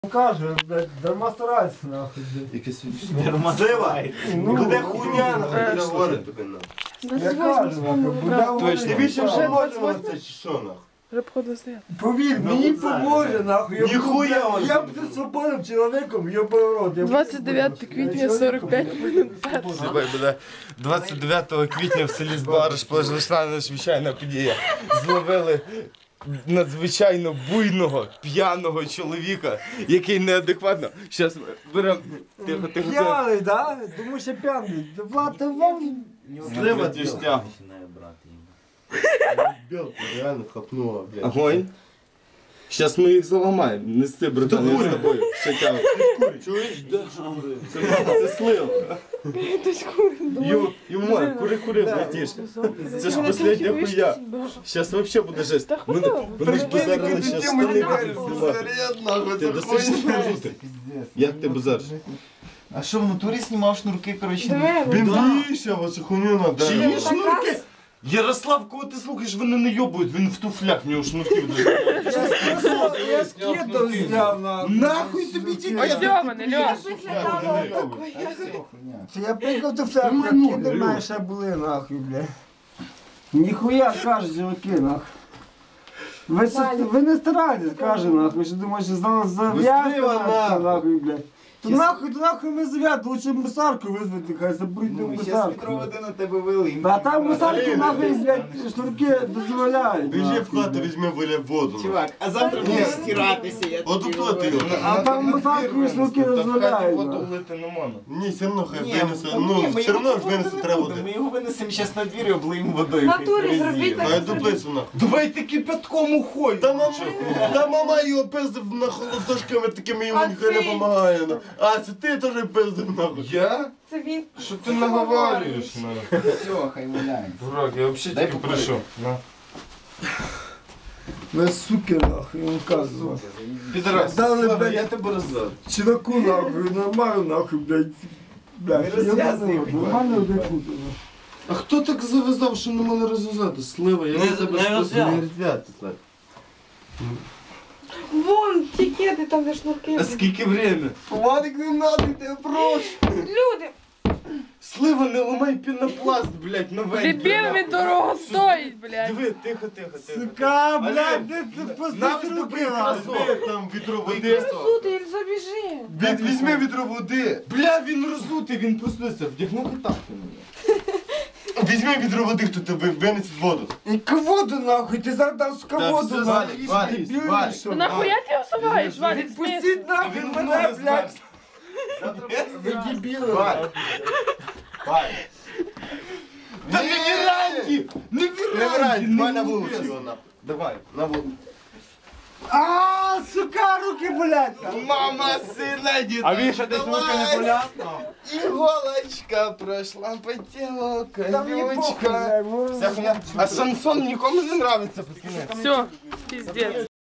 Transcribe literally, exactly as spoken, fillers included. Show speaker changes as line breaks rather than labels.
Каже, блядь, дарма старайся, нахуй, блядь.
Якесь
Дарма старайся.
Ну,
Буде хуйня, нахуй, не говорить тобі, нахуй.
Я кажу, нахуй, буде
Точно. Тобі ще
говорити.
поможемо це чи що, нахуй?
Вже походу стояти.
Повір, мені поможе, нахуй. Я
Ніхуя
буду-
он
Я
не
буду свободним чоловіком, йобаний рот. Я буду
двадцять дев'яте
свободним.
квітня,
Я
сорок п'ять
чоловіком
минут
буду.
першого.
Слухай, буде двадцять дев'ятого квітня в селі Збариш пройшла надзвичайна подія. Зловили надзвичайно буйного, п'яного чоловіка, який неадекватно. Зараз беремо. Тихо, тихо, тихо.
П'яний, да? Тому що п'яний. Влад, ти вам...
Слива тяжтя.
Білку реально хапнула, блядь.
Огонь. Зараз ми їх заламаємо. Нести, братан, я з тобою. Ще тягу.
Чуєш?
Це, це слив.
Хтось курить.
Ю, Юмор, кури, кури, братіш. Це ж последня хуя. Зараз взагалі буде жесть.
Та
Вони,
хуйово.
вони ж базарили, зараз штани будуть знімати.
нахуй,
Ти
це
досить
хуйня.
жути. Як ти базариш?
А що в натурі знімав шнурки, коротше?
Диви,
Він
Да.
більше, оце хуйню надо.
Чи є шнурки? Ярослав, кого ти слухаєш, вони не йобують, він в туфлях, в нього шнурків дуже.
Я скидав зняв, нахуй.
Нахуй тобі ті
Ось Льоване, Льов.
Це я приїхав до себе, кіди мене ще були, нахуй, бля. Ніхуя, кажуть, чуваки, нахуй. Ви, с- ви не старайтесь, каже, нахуй, що думаєш, що за- зав'язка,
Вистріла,
нахуй,
нахуй.
нахуй, бля. То нахуй, то нахуй ми зав'язку, лучше мусарку визвати, хай забудьте
Ну, зараз
мусарку.
відроводи на тебе вели.
А там мусарки,
Блін.
нахуй, блядь, шнурки дозволяють.
Біжи
нахуй,
в хату,
бля.
візьми, виля воду.
Чувак, а завтра будеш стиратися, я
От
тобі
уплати
говорю.
його.
А там мусарку і шнурки дозволяють.
Воду
нахуй.
влити не можна.
Ні, все одно хай
Ні,
винесе.
ну,
Ну,
ні, ми
все
його
одно ж
купувати
винесе
не
треба
будемо. Ми
буде.
його винесемо зараз на двір і облиємо водою.
Натурі
хай
зробіть
перезіє.
А я дуплицю нахуй.
Давайте кипятком уходь.
Та мама, та мама його пиздив на холодошками такими, йому
А
ніхто не
ти?
допомагає. ну. А, це ти теж пиздив нахуй.
Я?
Це він.
Що ти наговорюєш? на?
Все, хай валяє.
Дурак, я взагалі
Дай
тільки
покурити.
прийшов. На.
Ви суки, нахуй, я вам кажу.
Підарас,
Дали,
Слава,
блядь.
я тебе роздав.
Чуваку, нахуй, нормально, нахуй, блядь. Блядь,
Не
я
розв'язуй,
нахуй,
блядь.
нормально одягнути, нахуй.
А хто так зав'язав, що не мене розв'язати? Слива, я
Не-
на тебе
не
спасибі.
розв'язав. Не розв'язати, Слав.
Вон ті кеди, там де шнурки.
А скільки время?
Вадик, не надо, я тебе прошу.
Люди,
Слива, не ламай пінопласт, блядь, новенький.
Дебіл, він дорого стоїть, блядь.
Диви, тихо, тихо, тихо.
Сука,
Олег,
блядь, ти ти
на
пустиш
виступи
руки,
красу.
нахуй.
Візьми там відро води.
сути, Іль, забіжи.
Від- Візьми відро води.
Бля, він розутий, він проснувся, вдягнув тапки мені.
Візьми відро води, хто тебе винесе воду.
І воду, нахуй, ти зараз дам, сука,
Та
воду,
все,
нахуй.
Валік, Валік,
Дебіл,
Валік.
що,
Ну
нахуй?
нахуя ти усуваєш, Валік, смис?
Відпустіть нахуй
Він
мене,
мене,
блядь. Ви дебіли.
Валік. Валік.
Та не віранді! Не
Не
віранді!
вирай, давай на
вулиці.
вулицю його нахуй.
Давай.
На вулицю.
А, сука, руки, блядь.
Мама, сина, діда.
А він ще десь руки не поляв?
Іголочка пройшла по тілу,
Там не похуй,
колючка.
блядь, може.
Вся хуйня. А шансон нікому не нравиться, пацани.
Все, пиздец.